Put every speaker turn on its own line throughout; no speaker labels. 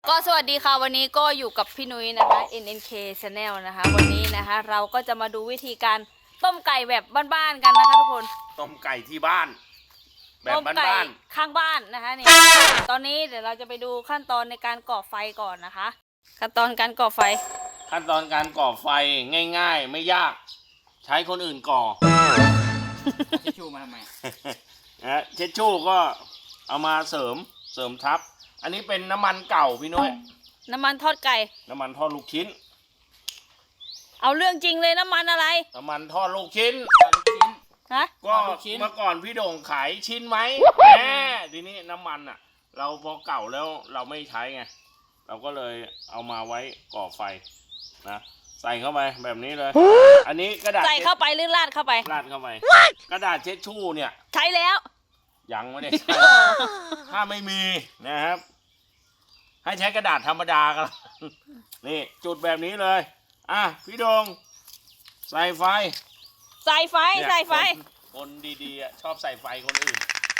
ก็สวัสดีค่ะวันนี้ก็อยู่กับพี่นุ้ยนะคะ NNK Channel นะคะวันนี้นะคะเราก็จะมาดูวิธีการต้มไก่แบบบ้านๆกันนะคะทุกคน
ต้มไก่ที่บ้านแบบ
ต้มไก่
บ้าน
ข้างบ้านนะคะนี่ตอนนี้เดี๋ยวเราจะไปดูขั้นตอนในการก่อไฟก่อนนะคะขั้นตอนการก่อไฟ
ขั้นตอนการก่อไฟง่ายๆไม่ยากใช้คนอื่นก่อ
เช็ดชูมาทำไม
นะเช็ดชู่ก็เอามาเสริมทับอันนี้เป็นน้ำมันเก่าพี่น้อย
น้ำมันทอดไก่
น้ำมันทอดลูกชิ้น
เอาเรื่องจริงเลยน้ำมันอะไร
น้ำมันทอดลูกชิ้น
ฮะ
ก็เมื่อก่อนพี่โด่งขายชิ้นไหมแหมทีนี้น้ำมันอ่ะเราพอเก่าแล้วเราไม่ใช้ไงเราก็เลยเอามาไว้ก่อไฟนะใส่เข้าไปแบบนี้เลยอันนี้กระดาษ
ใส่เข้าไปหรือราดเข้าไป
ราดเข้าไปกระดาษเช็ดชู่เนี่ย
ใช้แล้ว
ยังไม่ได้ใช้ถ้าไม่มีนะครับให้ใช้กระดาษธรรมดากันนี่จุดแบบนี้เลยอ่ะพี่โดงใส่ไฟ
ใส่ไฟ
คนดีๆชอบใส่ไฟคนอื่น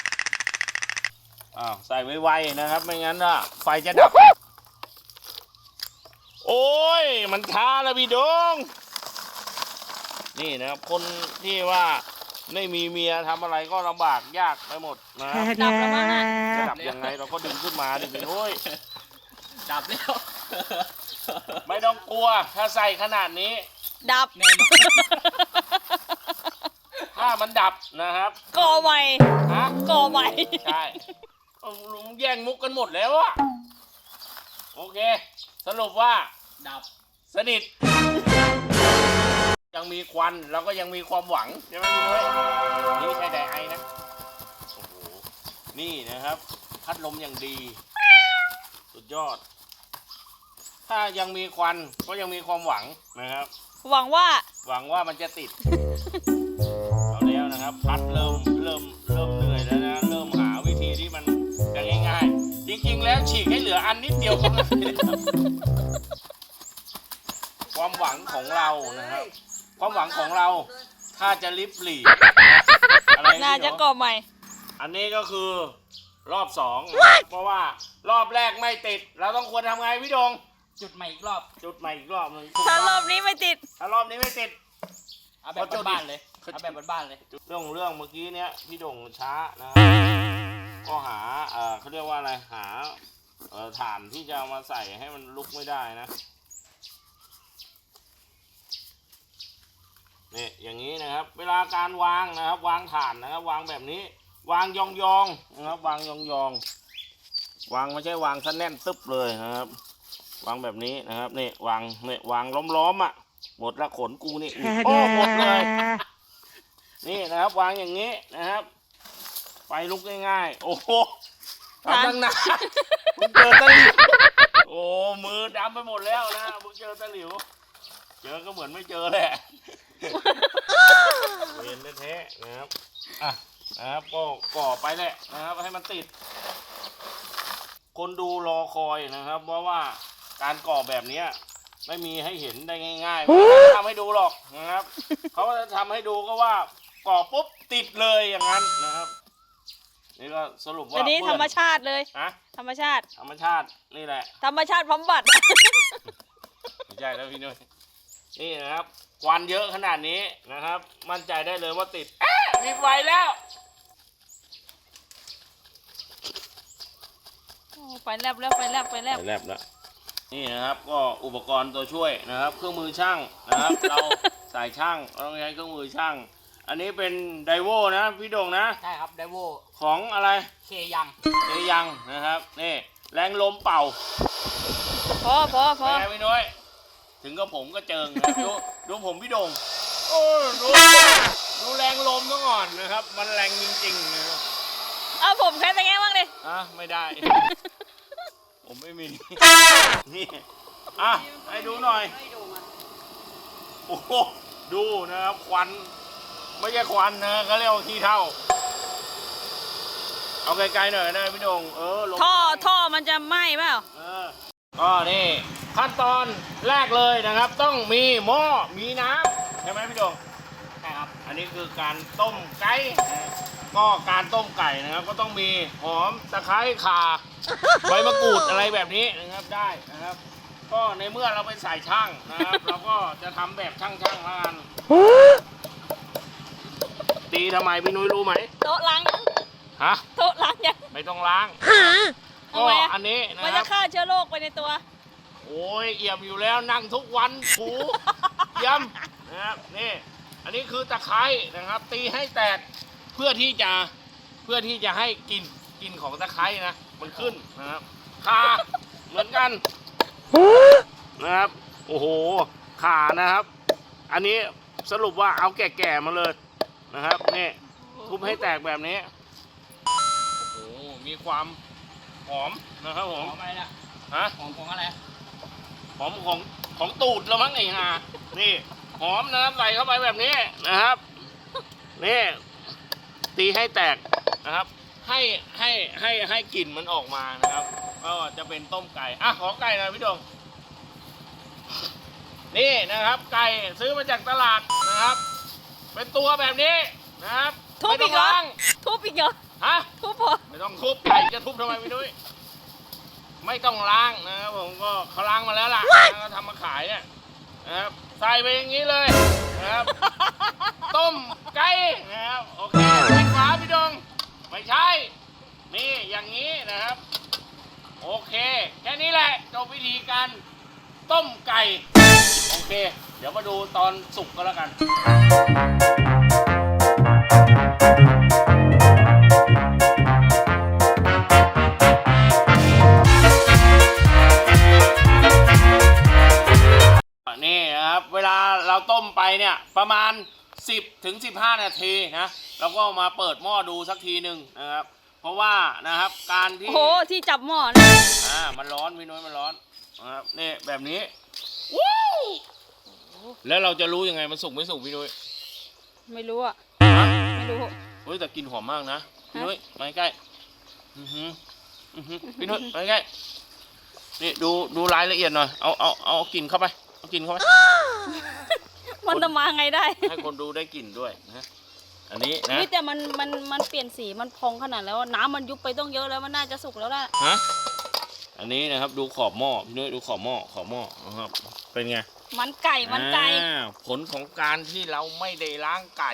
ใส่ไวๆนะครับไม่งั้นไฟจะดับโอ้ยมันช้าแล้วพี่โดงนี่นะครับคนที่ว่าไม่มีเมียทำอะไรก็ลำบากยากไปหมดนะ
ดับแล้วมั้งอ่ะ
จะดับยังไงเราก็ดึงขึ้นมาดิพี่โอ้ย
ดับแล้ว
ไม่ต้องกลัวถ้าใส่ขนาดนี้
ดับ
ถ้ามันดับนะครับ
ก่อใหม่ก่อใหม่
ใช่ลุงแย่งมุกกันหมดแล้วอะโอเคสรุปว่า
ดับ
สนิทยังมีควันเราก็ยังมีความหวังใช่ไหมพี่ด้วยนี่ใช่ไดไอนะโอ้โหนี่นะครับพัดลมอย่างดีสุดยอดถ้ายังมีควันก็ยังมีความหวังนะครับ
หวังว่า
มันจะติดเอาแล้วนะครับพัดเริ่มเหนื่อยแล้วนะเริ่มหาวิธีที่มันจะง่ายๆจริงๆแล้วฉีกให้เหลืออันนิดเดียวก็ได้ความหวังของเรานะครับความหวังของเราถ้าจะลิบหลีอะไร
น่าจะก่อใหม่
อันนี้ก็คือรอบสองเพราะว่ารอบแรกไม่ติดเราต้องควรทำไงพี่ดง
จุดใหม่อีกรอบ
นึง
ถ้ารอบนี้ไม่ติด
เอา
แบบบ้านเลยเอาแบบบ้านเลย
เรื่องเมื่อกี้เนี้ยพี่ดงช้านะครับก็หาเขาเรียกว่าอะไรหาถ่านที่จะเอามาใส่ให้มันลุกไม่ได้นะนี่อย่างนี้นะครับเวลาการวางนะครับวางถ่านนะครับวางแบบนี้วางยองนะครับวางยองวางไม่ใช่วางซะแน่นตึ๊บเลยนะครับวางแบบนี้นะครับนี่วางล้อมอ่ะหมดละขนกูนี่โอ้หมดเลยนี่นะครับวางอย่างนี้นะครับไฟลุกง่ายๆโอ้โหทำตั้งนานมึงเจอตะหลิวโอ้มือดำไปหมดแล้วนะมึงเจอตะหลิวเจอก็เหมือนไม่เจอแหละเวียนแท้ๆนะครับนะครับก็ก่อไปแหละนะครับให้มันติดคนดูรอคอยนะครับเพราะว่าการก่อแบบนี้ไม่มีให้เห็นได้ง่ายๆไม่ทำให้ดูหรอกนะครับเขาจะทำให้ดูก็ว่าก่อปุ๊บติดเลยอย่างนั้นนะครับนี่ก็สรุปว่า
อันนี้ธรรมชาติเลยธรรมชาติ
นี่แหละ
ธรรมชาติบำบัด
ไม่ใช่แล้วพี่นุ้ยนี่นะครับควันเยอะขนาดนี้นะครับมั่นใจได้เลยว่าติดมีไฟแล้ว
ไฟแลบแล้ว
นี่นะครับก็อุปกรณ์ตัวช่วยนะครับเครื่องมือช่างนะครับเราสายช่างเราต้องใช้เครื่องมือช่างอันนี้เป็นไดโวนะพี่โด่งนะ
ใช่ครับไดโว
ของอะไร
เคยัง
นะครับนี่แรงลมเป่า
พอ
พี่น้อยถึงกับผมก็เจิงนะดูผมพี่โด่งโอ้ดูแรงลมซะก่อนนะครับมันแรงจริงๆนะครับ
ผมแค่แต่แง่บ้างดิ
ไม่ได้ผมไม่มีนี่ให้ดูหน่อยโอ้โหดูนะครับควันไม่ใช่ควันนะเขาเรียกว่าขี้เถ้าเอาไกลๆหน่อยนะพี่โด่ง
ท่อมันจะไหม้เปล่า
ก็นี่ขั้นตอนแรกเลยนะครับต้องมีหม้อมีน้ำใช่ไหมพี่โด่ง
ใช่ครับ
อันนี้คือการต้มไก่กก็การต้มไก่นะครับ ก็ต้องมีหอมตะไคร้ข่าใบมะกรูดอะไรแบบนี้นะครับได้นะครับ ก็ในเมื่อเราเป็นสายช่างนะครับ เราก็จะทำแบบช่างๆแล้วกันตีทำไมพี่นุ้ยรู้ไหม
โต๊ะล้างยัง
ฮะ
โต๊ะล้างยัง
ไม่ต้องล้าง
ทำ
ก็
ไมอะ
อันนี้นะ
มัน
ค
จะ
รับ
ฆ่าเชื้อโรคไปในตัว
โอ้ยเอี่ยมอยู่แล้วนั่งทุกวันถูเยี่ยมนะครับนี่อันนี้คือตะไคร้นะครับ ตีให้แตกเพื่อที่จะให้กลิ่นของตะไคร้นะมันขึ้นนะครับข่าเหมือนกันนะครับโอ้โหข่านะครับ อันนี้สรุปว่าเอาแก่ๆมาเลยนะครับนี่ทุบให้แตกแบบนี้โอ้โหมีความหอมนะครับผ
หอ
ม
มอะไรนะ
ฮะ
หอมของอะไร
หอมของตูดแล้วมั้งไอ้ห่านี่หอมนะครับใส่เข้าไปแบบนี้นะครับนี่ตีให้แตกนะครับ ให้กลิ่นมันออกมานะครับ ก็จะเป็นต้มไก่อ่ะขอไก่หนะพี่ดงนี่นะครับไก่ซื้อมาจากตลาดนะครับ เป็นตัวแบบนี้นะครับ
ทุบอีกเหรอ
ไม่ต้งล้าง
ทุบอีกเหรอ
ฮะ
ทุบพอ
ไม่ต้องทุบไก่จะทุบทำไมพี่นุ้ยไม่ต้องล้างนะครับผมก็เขาล้างมาแล้วล่ะแล้วก็ทำมาขายเนี่ยนะครับใส่ไปอย่างนี้เลยนะครับ ต้มไก่นะครับโอเคปิดฝาพี่ดงไม่ใช่นี่อย่างนี้นะครับโอเคแค่นี้แหละจบวิธีการต้มไก่โอเค เดี๋ยวมาดูตอนสุกก็แล้วกัน นี่นะครับเวลาเราต้มไปเนี่ยประมาณ 10 ถึง 15 นาทีนะเราก็มาเปิดหม้อดูสักทีหนึ่งนะครับ เพราะว่านะครับการที่
โอ้โห ที่จับหม้อนะ
มันร้อนพี่นุ้ยมันร้อนนะครับนี่แบบนี้ว้าวแล้วเราจะรู้ยังไงมันสุกไม่สุกพี่นุ้ย
ไม่รู้อ่ะ ไม่รู้
เฮ้ยแต่กลินหอมมากนะพี่นุ้ยมาใกล้อื้อหือพี่นุ้ยมาใกล้นี่ดูรายละเอียดหน่อยเอากลิ่นเข้าไปเอากลิ่นเข้าไป
มันจะมาไงได้
ให้คนดูได้กลิ่นด้วยนะอันนี้นะ
นี่แต่มันเปลี่ยนสีมันพองขนาดแล้วน้ำมันยุบไปต้องเยอะแล้วมันน่าจะสุกแล้วแหละ
ฮะอันนี้นะครับดูขอบหม้อพี่นุ้ยดูขอบหม้อนะครับเป็นไง
มันไก่มันไก่
ผลของการที่เราไม่ได้ล้างไก่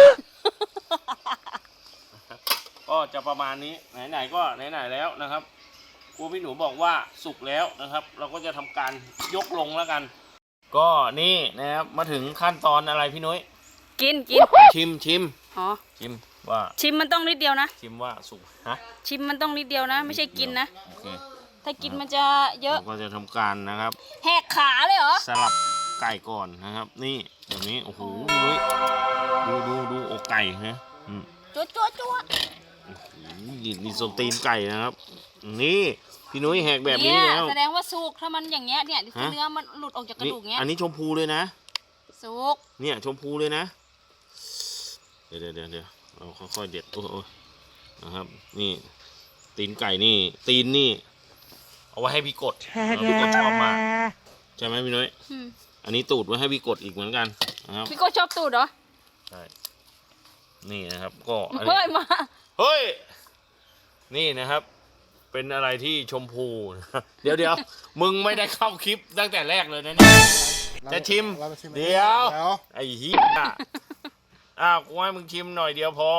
ก็จะประมาณนี้ไหนๆก็ไหนๆแล้วนะครับครูพี่หนูบอกว่าสุกแล้วนะครับ เราก็จะทำการยกลงแล้วกัน ก็นี่นะครับมาถึงขั้นตอนอะไรพี่นุ้ย
กิน
ชิม
อ๋อ
ชิมว่า
ชิมมันต้องนิดเดียวนะ
ชิมว่าสุกฮะ
ชิมมันต้องนิดเดียวนะ ไม่ใช่กินนะ
โอเค
ถ้ากินมันจะเยอะ
เราก็จะทำการนะครับ
แหกขาเลยเหรอ
สลับไก่ก่อนนะครับ นี่แบบนี้โอ้โหพี่นุ้ยดูอกไก่นะอืม
จั่ว
โอ้โหนี่ส้นตีนไก่นะครับ นี่พี่นุ้ยแหกแบบนี้
เนี่ย
แล้ว
แสดงว่าสุกถ้ามันอย่างเงี้ยเนี่ย
ฮะ
เนื้อมันหลุดออกจากกระ
นี่
ดูกเงี้ย
อันนี้ชมพูเลยนะ
สุก
เนี่ยชมพูเลยนะ เดี๋ยวเราค่อยๆเด็ดโอ้ยนะครับ นี่ตีนไก่นี่ ตีนนี่ เอาไว้ให้พี่กดพี่กดชอบมากใช่ไหมพี่นุ้ย
อืม
อันนี้ตูดไว้ให้พี่กดอีกเหมือนกันนะครับ
พี่โก็ชอบตูดเหรอ
ใช่นี่นะครับ ก็อันนี้
เฮ้ยมา
เฮ้ยนี่นะครับ เป็นอะไรที่ชมพูนะเดี๋ยวมึงไม่ได้เข้าคลิปตั้งแต่แรกเลยนะเนี่ยจะชิม
เรามาชิม
เดี๋ยว
เดี๋ยว
ไอ้เหี้ยกูให้มึงชิมหน่อยเดียวพอ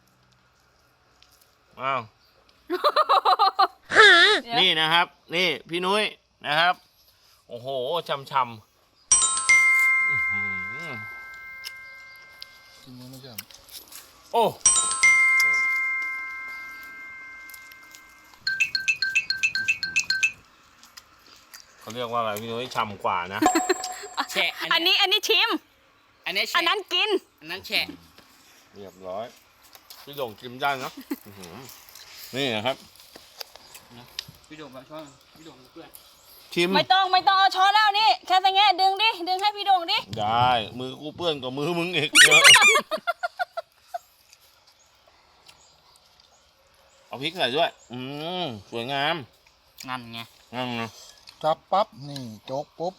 อ้าว นี่นะครับ นี่พี่นุ้ยนะครับ โอ้โหช่ำอื้อหือ
ชิมไม่ใช่
โอ้เขาเรียกว่าอะไรพี่นุ้ยช่ำกว่านะ
แฉะ
อันนี้ชิม
อันนี้
อั
แฉะ
นนั้นกิน
อันนั้นแฉะ
เรียบร้อยพี่ดงชิมได้นะอื้อหือนี่นะครับ
พี่โด่งมาช่วยพี่โด่งเพื่อน
ชิม
ไม่ต้องเอาช้อนแล้วนี่แค่ตะแงะดึงให้พี่โด่งดิ
ได้มือกูเปื้อนกับมือมึงอีกเยอะเอาพริกใส่ด้วยสวยงาม
นั่นไง
งั้นนะ
จับปั๊บ นี่โจ๊กปุ๊บ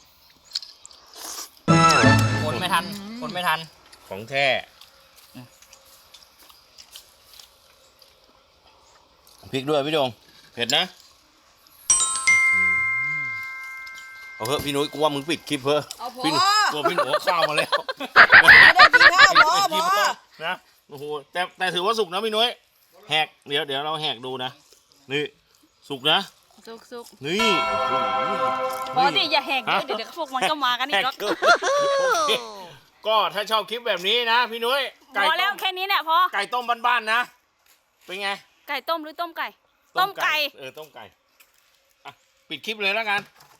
คนไม่ทัน
ของแท้พริกด้วยพี่ดงเผ็ดนะเอาเถอะพี่นุ้ยกูว่ามึงปิดคลิปเถอะ
เอาพอ
พี่กลัวพี่หนูเอาข้าวมาแล้ว
ไม่ได้กินข้าวพอพอ
นะโอ้โหแต่ถือว่าสุกนะพี่นุ้ยแหกเดี๋ยวเราแหกดูนะนี่สุกนะ
สุก
นี่โอ้โห
ๆปกติอย่าแหกเยอะเดี๋ยวพวกมันก็มากันอีกแล้ว
โอเคก็ถ้าชอบคลิปแบบนี้นะพี่นุ้ย
พอแล้วแค่นี้เนี่ยพอ
ไก่ต้มบ้านๆนะเป็นไง
ไก่ต้มหรือต้มไก่ ต้มไก่
ต้มไก่อ่ะปิดคลิปเลยแล้วกัน